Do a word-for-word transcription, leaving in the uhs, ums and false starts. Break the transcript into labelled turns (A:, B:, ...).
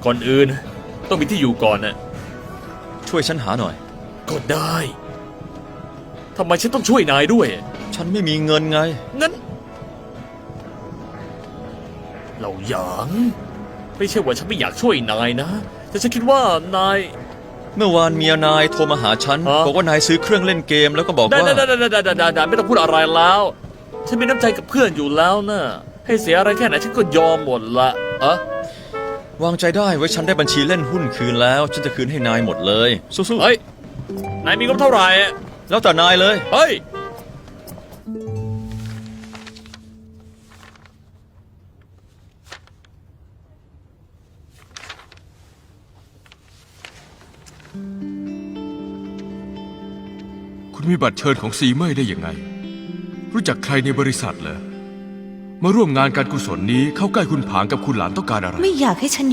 A: ก่อนอื่นต้องมีที่อยู่ก่อนนะ
B: ช่วยฉันหาหน่อย
A: ก็ได้ทำไมฉันต้องช่วยนายด้วย
B: ฉันไม่มีเงินไง
A: งั้นเราหยางไม่ใช่ว่าฉันไม่อยากช่วยนายนะแต่ฉันคิดว่านาย
B: เมื่อวานเมียนายโทรมาหาฉัน
A: ฮะ
B: บอกว่านายซื้อเครื่องเล่นเกมแล้วก็บอก
A: ได้
B: ว่า
A: ได้ได้ได้ได้ได้ได้ไม่ต้องพูดอะไรแล้วฉันมีน้ำใจกับเพื่อนอยู่แล้วนะให้เสียอะไรแค่ไหนฉันก็ยอมหมดละอะ
B: วางใจได้ไว้ฉันได้บัญชีเล่นหุ้นคืนแล้ว ฉันจะคืนให้นายหมดเลยสู้
A: เฮ้ยนายมีงบเท่าไหร่
B: ๆแล้วแต่นายเลย
A: เฮ้ย
C: คุณมีบัตรเชิญของซีเมย์ได้ยังไง รู้จักใครในบริษัทเหรอมาร่วมงานการกุศลนี้เข้าใกล้คุณผางกับคุณหลานต้องการอะไร
D: ไม่อยากให้ฉัน